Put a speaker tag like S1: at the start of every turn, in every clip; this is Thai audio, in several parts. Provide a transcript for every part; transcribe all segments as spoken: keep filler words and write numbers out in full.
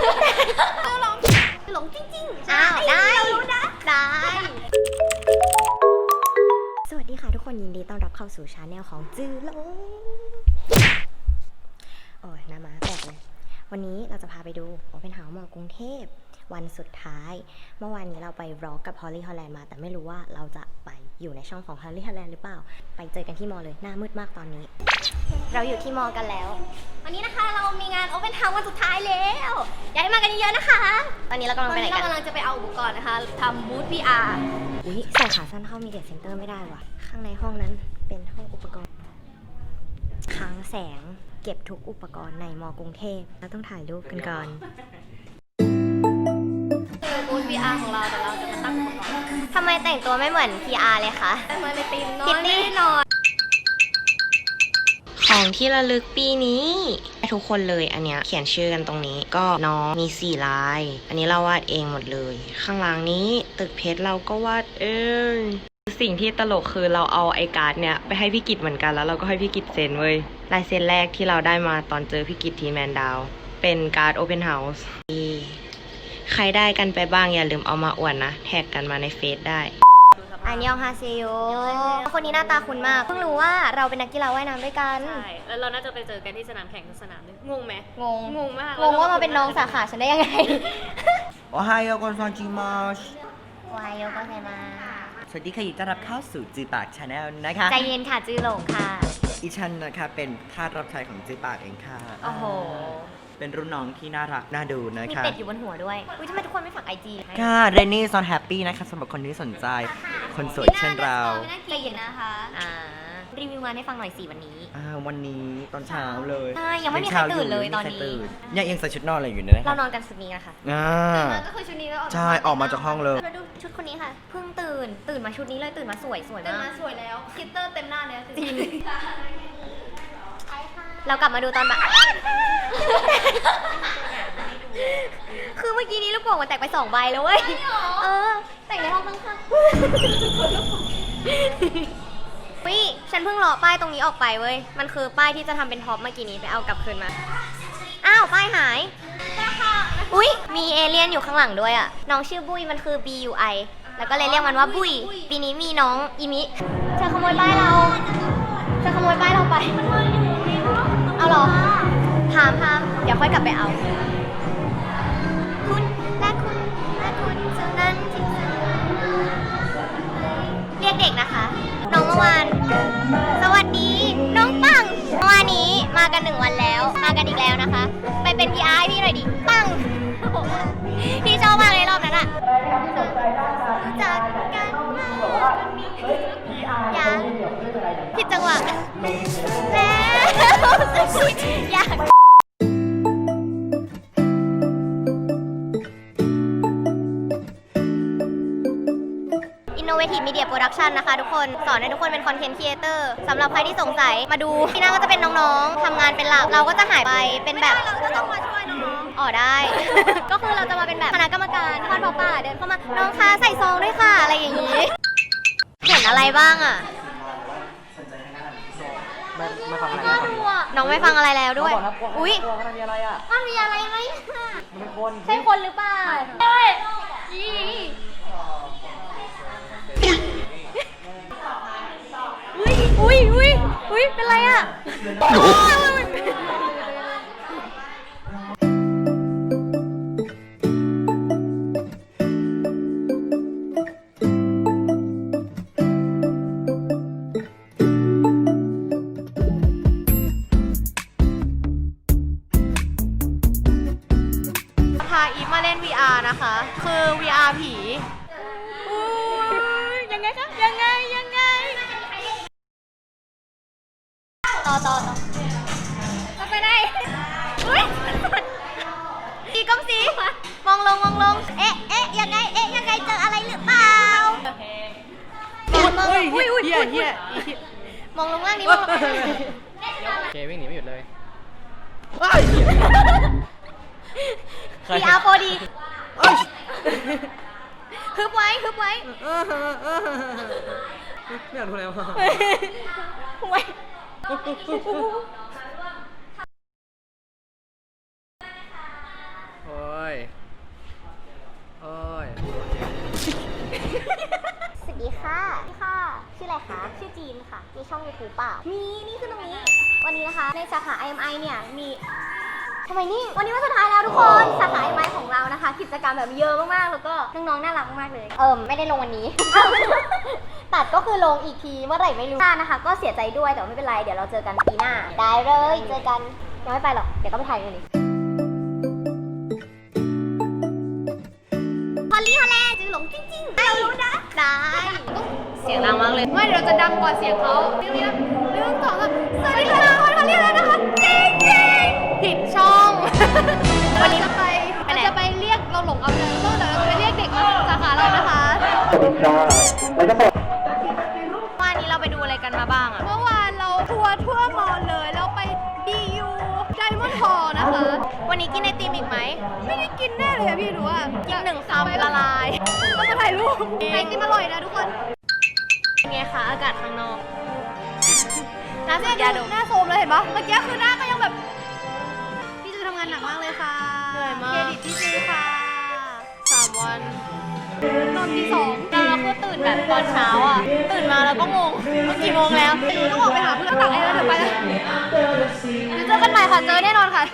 S1: หลงหลงจริงๆ
S2: อ้าวได้ได้
S3: สวัสดีค่ะทุกคนยินดีต้อนรับเข้าสู่ชาแนลของจื้อหลงโอ้ยน้ามาแตกเลยวันนี้เราจะพาไปดูโอเพนเฮาส์มอกรุงเทพวันสุดท้ายเมื่อวานนี้เราไปร็อกกับฮอลลี่ฮอลแลนด์มาแต่ไม่รู้ว่าเราจะไปอยู่ในช่องของฮอลลี่ฮอลแลนด์หรือเปล่าไปเจอกันที่มอเลยหน้ามืดมากตอนนี้เราอยู่ที่มอกันแล้ว
S1: วันนี้นะคะเรามีงาน Open House วันสุดท้ายแล้วอยากให้มากันเยอะๆนะคะ
S3: ตอนนี้เรากำลัง
S1: ตอ
S3: ไป
S1: น
S3: ไหน
S1: นี้
S3: กั
S1: เรา
S3: น
S1: กำลังจะไปเอาอุปกรณ์นะคะทำบูธ พี อาร์
S3: อุ้ยใส่ขาสั้นเข้ามีเดียเซ็นเตอร์ไม่ได้ว่ะข้างในห้องนั้นเป็นห้องอุปกรณ์ค้างแสงเก็บทุกอุปกรณ์ในมอกรุงเทพเราต้องถ่ายรูปกันก่อน
S1: คือบูธ พี อาร์ ของเราแต่เราจะมาตั้งอุปกรณ์
S3: ทำไมแต่งตัวไม่เหมือน พี อาร์ เลยคะ
S1: มาในทีมนอ
S3: คิ
S1: น
S3: ตตี้
S1: แน่นอน
S3: ของที่ระลึกปีนี้ทุกคนเลยอันเนี้ยเขียนชื่อกันตรงนี้ก็น้องมีสี่ลายอันนี้เราวาดเองหมดเลยข้างหลังนี้ตึกเพชรเราก็วาดเองสิ่งที่ตลกคือเราเอาไอการ์ดเนี่ยไปให้พี่กิจเหมือนกันแล้วเราก็ให้พี่กิจเซ็นเว้ยลายเซ็นแรกที่เราได้มาตอนเจอพี่กิจที่แมนดาวเป็นการ์ดโอเพนเฮาส์ใครได้กันไปบ้างอย่าลืมเอามาอวดนะแท็กกันมาในเฟซได้อันยองฮาเซโยคนนี้หน้าตาคุ้นมากเพิ่งรู้ว่าเราเป็นนักกีฬาว่ายน้ำด้วยกัน
S1: ใช่แล้วเราน่าจะไปเจอกันที่สนามแข่งสนามนึงงงไหม
S3: งง
S1: งงมาก
S3: งงว่ามาเป็นน้องสาขาฉันได้ยังไง
S4: โอไฮโอคอนซอนจิมาช
S3: วายโยก็ใช่มา
S4: สวัสดีค่ะยินดีต้อนรับเข้าสู่จือปากชาแนลนะคะ
S3: ใจเย็นค่ะจื้อหลงค่ะ
S4: อีชันนะคะเป็นทาสรับใช้ของจือปากเองค่ะ
S3: โอ้โห
S4: เป็นรุ่นน้องที่น่ารักน่าดูนะ
S3: มี
S4: คะ
S3: เป็ดอยู่บนหัวด้วยอุ้ยทำไมทุกคนไม่ฝากไอจี
S4: ค่ะเรนนี่ซอนแฮปปี้นะคะสำหรับคนที่สนใจคนสวยเช่นเรา
S1: ใจเย็นนะคะ
S3: อ่ารีวิวงานให้ฟังหน่อยสิวันนี้
S4: อ่าวันนี้ตอนเช้าเลย
S3: ใช่ยังไม่มีใครตื่นเลยตอนนี้
S4: ยังยังใส่ชุดนอนอะไรอยู่เนี่ยนะ
S3: เรานอนกันชุดนี้นะคะ
S4: อ่า
S1: ก็คือชุดนี้แล้ว
S4: ใช่ออกมาจากห้องเลย
S3: เราดูชุดคนนี้ค่ะเพิ่งตื่นตื่นมาชุดนี้เลยตื่นมาสวยสวย
S1: เต็ม
S3: มา
S1: มาก สวยแล้วคิตเตอร์เต็มหน้าแล้ว
S3: จริง เรากลับมาดูตอนบ่าย คือเมื่อกี้นี้ลูกโป่งมันแตกไปสองใบแล้วเว้ยเออแต่งในห้องข้างๆวิฉันเพิ่งเลาะป้ายตรงนี้ออกไปเว้ยมันคือป้ายที่จะทำเป็นท็อปเมื่อกี้นี้ไปเอากลับคืนมาอ้าวป้ายหายอุ้ยมีเอเลี่ยนอยู่ข้างหลังด้วยอ่ะน้องชื่อบุ้ยมันคือ B U I แล้วก็เลยเรียกมันว่าบุ้ยปีนี้มีน้องอีมิเธอขโมยป้ายเราเธอขโมยป้ายเราไปเอาเหรอพามพามเดี๋ยวค่อยกลับไปเอาคุณและคุณและคุณเท่านั้นที่เรียกเด็กนะคะน้องเมื่อวานสวัสดีน้องปังเมื่อวานนี้มากันหนึ่งวันแล้วมากันอีกแล้วนะคะไปเป็น พี อาร์ ให้พี่หน่อยดิปังพี่ชอบมากเลยรอบนั้นอะรู้จักกันมากอย่าผิดจังหวะแล้วอยากInnovative Media Production นะคะทุกคนสอนให้ทุกคนเป็นคอนเทนต์ครีเอเตอร์สำหรับใครที่สงสัยมาดูที่หน้าก็จะเป็นน้องๆทำงานเป็นหลักเราก็จะหายไปเป็นแบบ
S1: เราก็ต้องมาช่วยน้อง
S3: อ๋อได้ ก็คือเราจะมาเป็นแบบคณะกรรมการทอดผ้าป่าเดินเข้ามาน้องคะใส่ซองด้วยค่ะอะไรอย่างนี้เห็นอะไรบ้างอ่ะ
S4: มามาฟังอะไร
S3: น่า
S4: กัน
S3: กลัวน้องไม่ฟังอะไรแล้วด้วยอุ้ย
S4: มันมีอะไรอ่ะ
S3: มันมีอะไรไหม
S4: มันเป็นคน
S3: ใช่คนหรือเปล่าใช่อุ้ยอุ้ยอุ้ยอุ้ยเป็นไรอ่ะพาอีฟมาเล่น วี อาร์ นะคะ คือ วี อาร์ ผียังไงคะยังไงยังไงต่อต่อต่อก็ไปได้อุ้ยสีก้มสีมองลงมองลงเอ๊ะเอ๊ะยังไงเอ๊ะยังไงเจออะไรหรือเปล่ามองมองอุ้ยอุ้ยอุ้ยอุ้ยมองลงล่างนี้มองลง
S5: เควิ่งหนีไม่หยุดเลย
S3: พี อาร์ โฟร์ ดีฮึบไว้ฮึบไว้
S5: ไม่อยากดูแล้วอ่ะ
S3: ไว้
S5: โอ้
S1: องยูทูบเปล่ามีนี่คือตรงนี้วันนี้นะคะในสาขา ไอ เอ็ม ไอ เนี่ยมีทำไมนี่วันนี้วันสุดท้ายแล้วทุกคนสาขา ไอ เอ็ม ไอ ของเรานะคะกิจกรรมแบบเยอะมากๆแล้วก็น้องๆน่ารักมากเลยเอิมไม่ได้ลงวันนี้ ตัดก็คือลงอีกทีเมื่อไหร่ไม่รู้นะคะก็เสียใจด้วยแต่ไม่เป็นไรเดี๋ยวเราเจอกันปีหน้าได้เลยเจอกันยังไม่ไปหรอกเดี๋ยวก็ไปถ่ายกันอีกฮอลลี่ฮอลแลนด์จือหลงจริงๆเรารู้นะได้เสียงดังมากเลยไม่เดี๋ยวเราจะดังกว่าเสียงเขาเรื่องนี้นะเรื่องสองสามสวัสดีค่ะฮอลลี่ฮอลแลนด์นะคะจริงจริงผิดช่องวันนี้จะไปเราจะไปเรียกเราหลงเอาไปเลยเดี๋ยวเราจะไปเรียกเด็กมาสาขาเรานะคะวันนี้เราไปดูอะไรกันมาบ้างอะเมื่อวานเราทัวร์ทั่วมอลเลยเราไป ดี ยู Diamond Hall นะคะวันนี้กินไอติมอีกไหมไม่ได้กินแน่เลยอะพี่หนูอะกินหนึ่งคำละลายต้องมาถ่ายรูปไอติมอร่อยนะทุกคนเป็นไงคะอากาศข้างนอกน้าเสียยาดมหน้าโซมเลยเห็นปะเมื่อกี้คือหน้าก็ยังแบบพี่จือทำงานหนักมากเลยค่ะเหนื่อยมากเครดิตพี่จือค่ะสามวันตอนที่สองแล้วเราก็ตื่นแบบตอนเช้าอ่ะตื่นมาแล้วก็งงว่ากี่โมงแล้วหนูต้องออกไปหาเพื่อนตักแอร์แล้วเดี๋ยวไปแล้วเดี๋ยวเจอกันใหม่ค่ะเจอแน่นอนค่ะ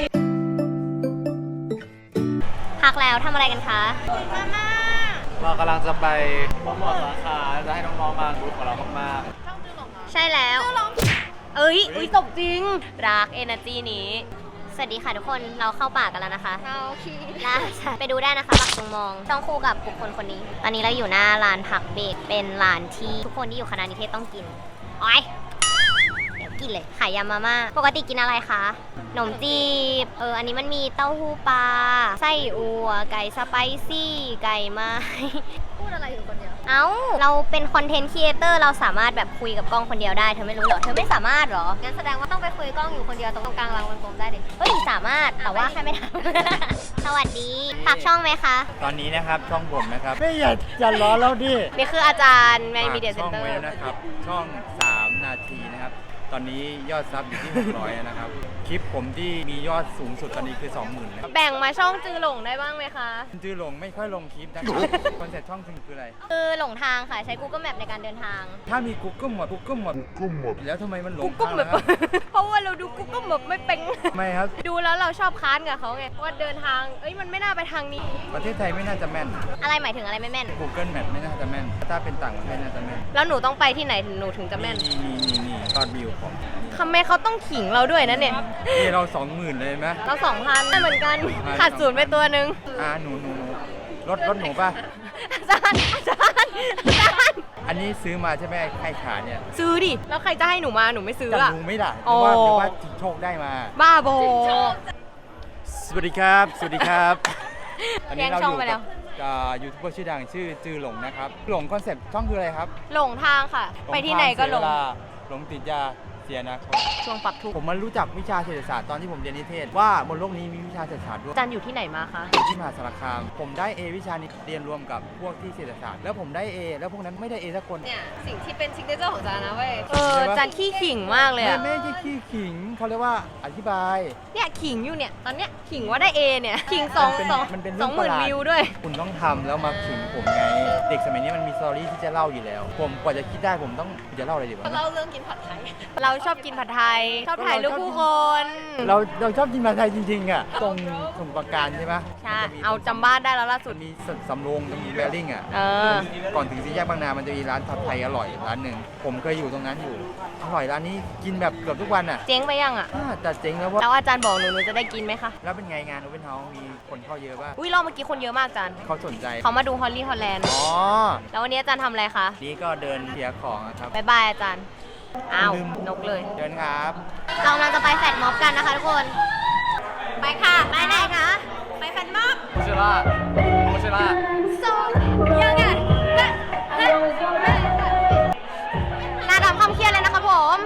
S1: พักแล้วทำอะไรกันคะมาม่า
S5: เรากำลังจะไปโปรโมทสาขาจะให้น้องๆมาดูกับเรามาก
S1: ใช่แล้วเอ้ยอุ้ยตบจริงรักเอเนอร์จีนี้สวัสดีค่ะทุกคนเราเข้าป่ากันแล้วนะคะโอเคไปดูได้นะคะปักตรงมองต้องคู่กับบุคคลคนนี้ตอนนี้เราอยู่หน้าร้านผักเบกเป็นร้านที่ทุกคนที่อยู่คณะนิเทศต้องกินอ้อยเดี๋ยวกินเลยขายยำมาม่าปกติกินอะไรคะขนมจีบเอออันนี้มันมีเต้าหู้ปลาไส้อัวไก่สไปซี่ไก่ไม้พูดอะไรอยู่คนเดียวเอ้าเราเป็นคอนเทนต์ครีเอเตอร์เราสามารถแบบคุยกับกล้องคนเดียวได้เธอไม่รู้เหรอเธอไม่สามารถเหรองั้นแสดงว่าต้องไปคุยกล้องอยู่คนเดียวตรงกลางรางวงกลมได้เลยเฮ้ยสามารถแต่ว่าแค่ไม่ทำ สวัสดีฝากช่องไหมคะ
S6: ตอนนี้นะครับช่องผมนะครับไม่อย่าอย่าล้อแล้วดิ
S1: นี่คืออาจารย์แมนมีเดียเซ็นเตอร์
S6: ช่องไว้แล้วนะครับช่องสามนาทีนะครับตอนนี้ยอดซับอยู่ที่หกร้อยนะครับคลิปผมที่มียอดสูงสุดตอนนี้คือ สองหมื่น นะครับ
S1: แบ่งมาช่องจือหลงได้บ้างไหมคะ
S6: จื้อลงไม่ค่อยลงคลิปนะครับคอนเซ็ปต์ช่องจริงคืออะไร
S1: คือหลงทางค่ะใช้ Google Map ในการเดินทาง
S6: ถ้ามี Google หมด Google หมด Google หมดแล้วทำไมมันหลง
S1: Google
S6: ทาง
S1: Map
S6: นะครับ
S1: เพราะว่าเราดู Google Map ไม่เป็น
S6: ไม่ครับ
S1: ดูแล้วเราชอบค้านกับเขาไงว่าเดินทางเอ้ยมันไม่น่าไปทางนี้
S6: ประเทศไทยไม่น่าจะแม่น
S1: อะไรหมายถึงอะไรไม่แม่น
S6: Google Map ไม่น่าจะแม่นถ้าเป็นต่างประเทศน่าจะแม่น
S1: แล้วหนูต้องไปที่ไหนถึงหนูถึงจะแม่น
S6: นี่นี่นี่นี่ยอดวิวผม
S1: ทำไมเขาต้องขิงเราด้วยนะเนี่ย
S6: นี่เราสองหมื่นเลยไหม
S1: เราสองพันเหมือนกันขาดศูนย์ไปตัวหนึ่ง
S6: อ่าหนูหนูหนูรถรถหนูป่ะ
S1: อาจารย์อาจารย์อาจารย์
S6: อันนี้ซื้อมาใช่ไหมใครขาเนี่ย
S1: ซื้อดิแล้วใครจะให้หนูมาหนูไม่ซื้อ
S6: จับ
S1: อะ
S6: ลุงไม่ได้ห
S1: โอ้
S6: รือว่าหรือว่าจิงโชคได้มา
S1: บ้าโบ
S6: สวัสดีครับ สวัสดีครับ ตอนนี้เรา
S1: แย่งช่
S6: อ
S1: อง
S6: ยู่
S1: ไปแล้
S6: กั
S1: ว
S6: บยูทูบเบอร์ชื่อดังชื่อจือหลงนะครับ หลงคอนเซ็ปต์ช่องคืออะไรครับ
S1: หลงทางค่ะ ไปที่ไหนก็หลง
S6: เสียเวาหลงติดยาเสียนะครับ
S1: ช่วงปักทุก
S6: ผมมารู้จักวิชาเศรษฐศาสตร์ตอนที่ผมเรียนนิเทศว่าบนโลกนี้มีวิชาเศรษฐศาสตร์ด้วย
S1: อาจารย์อยู่ที่ไหนมาคะ
S6: ที่มหาสารคาม ผมได้ A วิชานี้เรียนรวมกับพวกที่เศรษฐศาสตร์แล้วผมได้ A แล้วพวกนั้นไม่ได้ A สักคน
S1: เนี่ยสิ่งที่เป็นซิกเนเจอร์ของอาจารย์นะเว้ย เอ
S6: ใช่
S1: อ
S6: ปะ
S1: อาจารย์ขี้ขิงมากเลย
S6: ไม่
S1: อะ
S6: ไม่ใช่ขี้ขิงเขาเรียกว่าอธิบาย
S1: เนี่ยขิงอยู่เนี่ย ตอนเนี้ยขิงว่าได้เอเนี่ยขิงสอง
S6: มันเป็น
S1: สอง
S6: มันเป็น
S1: ส
S6: เรื่
S1: อ
S6: อง ง
S1: หมื่น
S6: ประหลาด
S1: วิวด้วย
S6: คุณต้องทำแล้วมาขิงผมไง เด็กสมัยนี้มันมีสตอรี่ที่จะเล่าอยู่แล้ว ผมกว่าจะคิดได้ผมต้องจะเล่าอะไรดีวะ
S1: เราเรื่องกินผัดไทย เราชอบกินผัดไทย ชอบถ่ายรูปผู้คน
S6: เราเราชอบกินผัดไทยจริงๆอ่ะตรงสมุทรปราการใช่ไหม
S1: ใช่
S6: มันจะมี
S1: เอาจำบ้านได้แล้วล่าสุ
S6: มั
S1: ด
S6: นมีสำโรงตรงแวลลิงอ่ะ
S1: เออ
S6: ก่อนถึงสี่แยกบางนามันจะมีร้านผัดไทยอร่อยร้านหนึ่งผมเคยอยู่ตรงนั้นอยู่อร่อยร้านนี้กินแบบเกือบทุกวันอ่ะ
S1: เจ๊งไปยังอะ
S6: อ่าแต่เจ๋งแล้วว่า
S1: แล้วอาจารย์บอกหนูหนูจะได้กินไหมคะ
S6: แล้วเป็นไงงานโอเปนเฮาส์มีคนเข้าเยอะป่ะ
S1: อุ้ยรอบเมื่อกี้คนเยอะมากอาจารย์
S6: เขาสนใจ
S1: เขามาดูฮอลลี่ฮอลแลนด์
S6: อ๋อ
S1: แล้ววันนี้อาจารย์ทำอะไรคะ
S6: นี่ก็เดินเคลียร์ของอะครับ
S1: บายบายอาจารย์ อ้าว
S6: ลืม
S1: นกเลย
S6: เดินครับ
S1: เรากำลังจะไปแฟดม็อบกันนะคะทุกคน ไปค่ะ ไปไหนคะ ไปแฟดม็อบ
S5: ๆโมเชล่าโมเชล่า
S1: ส่งยังไงหน้าดำคำเครียดเลยนะคะผม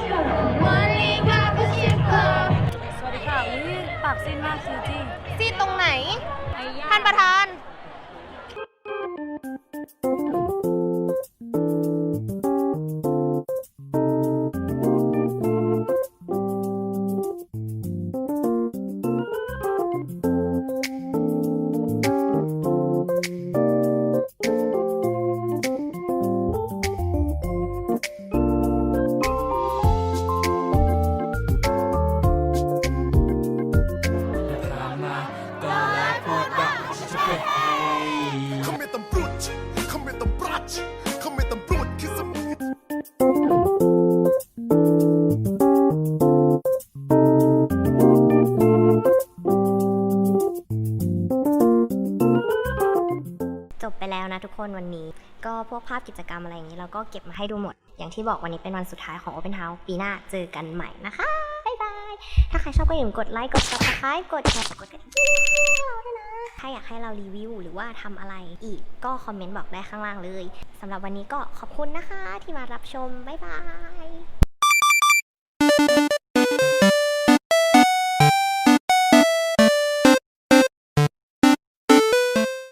S1: สวัสดีค่ะอุ้ยปากซีดมากซีจี้ซีดตรงไหน ท่านประธานแล้วนะทุกคนวันนี้ก็พวกภาพกิจกรรมอะไรอย่างนี้เราก็เก็บมาให้ดูหมดอย่างที่บอกวันนี้เป็นวันสุดท้ายของ Open House ปีหน้าเจอกันใหม่นะคะบ๊ายบายถ้าใครชอบก็อย่าลืมกดไลค์กด Subscribe กดแชร์กดกระดิ่งด้วยนะถ้าอยากให้เรารีวิวหรือว่าทำอะไรอีกก็คอมเมนต์บอกได้ข้างล่างเลยสำหรับวันนี้ก็ขอบคุณนะคะที่มารับชมบ๊ายบาย